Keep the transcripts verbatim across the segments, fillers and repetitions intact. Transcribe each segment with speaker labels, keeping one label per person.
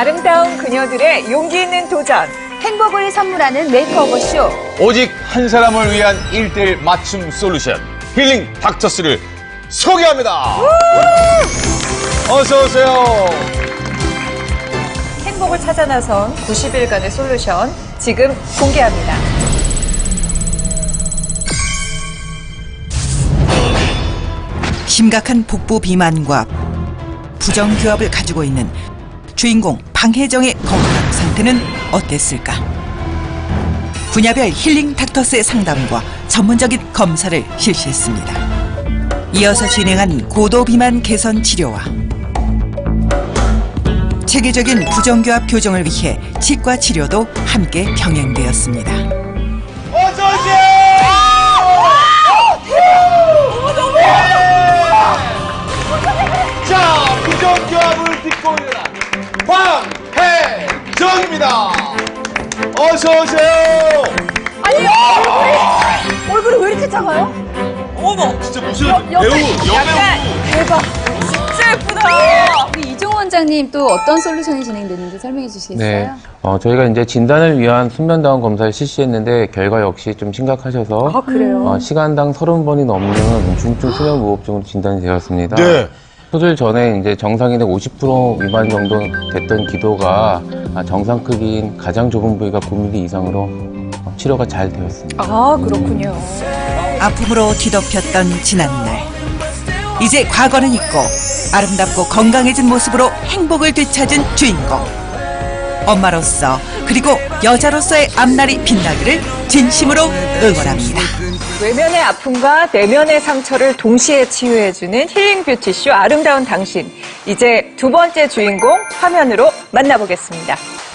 Speaker 1: 아름다운 그녀들의 용기 있는 도전.
Speaker 2: 행복을 선물하는 메이크오버 쇼.
Speaker 3: 오직 한 사람을 위한 일대일 맞춤 솔루션 힐링 닥터스를 소개합니다. 어서 오세요.
Speaker 1: 행복을 찾아 나선 구십 일간의 솔루션 지금 공개합니다.
Speaker 4: 심각한 복부 비만과 부정교합을 가지고 있는 주인공 방혜정의 건강 상태는 어땠을까? 분야별 힐링 닥터스의 상담과 전문적인 검사를 실시했습니다. 이어서 진행한 고도 비만 개선 치료와 체계적인 부정교합 교정을 위해 치과 치료도 함께 병행되었습니다.
Speaker 3: 어서 오세요. 자, 부정교합을 딛고 일어난 방혜정입니다. 어서 오세요.
Speaker 2: 아니, 얼굴이, 얼굴이 왜 이렇게 작아요?
Speaker 3: 어머, 진짜 무슨
Speaker 2: 여-
Speaker 3: 배우,
Speaker 2: 옆에
Speaker 3: 여배우.
Speaker 1: 대박. 진짜 예쁘다.
Speaker 2: 우리 이종 원장님 또 어떤 솔루션이 진행됐는지 설명해 주시겠어요?
Speaker 5: 네, 어, 저희가 이제 진단을 위한 수면다운 검사를 실시했는데 결과 역시 좀 심각하셔서
Speaker 1: 아, 그래요?
Speaker 5: 어, 시간당 서른 번이 넘는 중증 수면 무호흡증으로 진단이 되었습니다.
Speaker 3: 네.
Speaker 5: 수술 전에 이제 정상인의 오십 퍼센트 미만 정도 됐던 기도가 아, 정상 크기인 가장 좁은 부위가 구 밀리미터 이상으로 어, 치료가 잘 되었습니다.
Speaker 1: 아, 그렇군요.
Speaker 4: 아픔으로 뒤덮였던 지난날. 이제 과거는 잊고 아름답고 건강해진 모습으로 행복을 되찾은 주인공. 엄마로서 그리고 여자로서의 앞날이 빛나기를 진심으로 응원합니다.
Speaker 1: 외면의 아픔과 내면의 상처를 동시에 치유해주는 힐링 뷰티쇼 아름다운 당신. 이제 두 번째 주인공 화면으로 만나보겠습니다.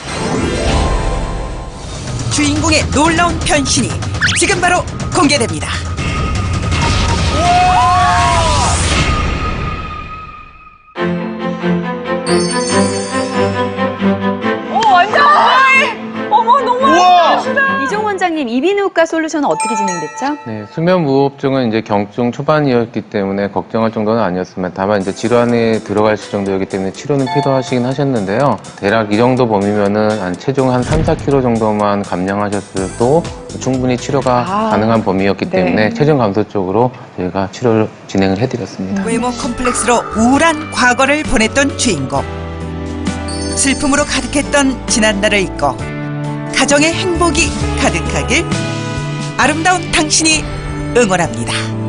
Speaker 4: 주인공의 놀라운 변신이 지금 바로 공개됩니다.
Speaker 1: 오, 완전 건강해. 어머, 너무
Speaker 3: 우와.
Speaker 1: 아름다우시다.
Speaker 2: 이종 원장님, 이비인후과 솔루션은 어떻게 진행됐죠?
Speaker 5: 네, 수면 무호흡증은 이제 경증 초반이었기 때문에 걱정할 정도는 아니었습니다. 다만 이제 질환에 들어가실 정도였기 때문에 치료는 필요하시긴 하셨는데요. 대략 이 정도 범위면은 한 체중 한 삼, 사 킬로그램 정도만 감량하셨어도 충분히 치료가
Speaker 1: 아,
Speaker 5: 가능한 범위였기
Speaker 1: 네.
Speaker 5: 때문에 체중 감소 쪽으로 저희가 치료를 진행을 해드렸습니다.
Speaker 4: 외모 컴플렉스로 우울한 과거를 보냈던 주인공. 슬픔으로 가득했던 지난날을 잊고 가정의 행복이 가득하길 아름다운 당신이 응원합니다.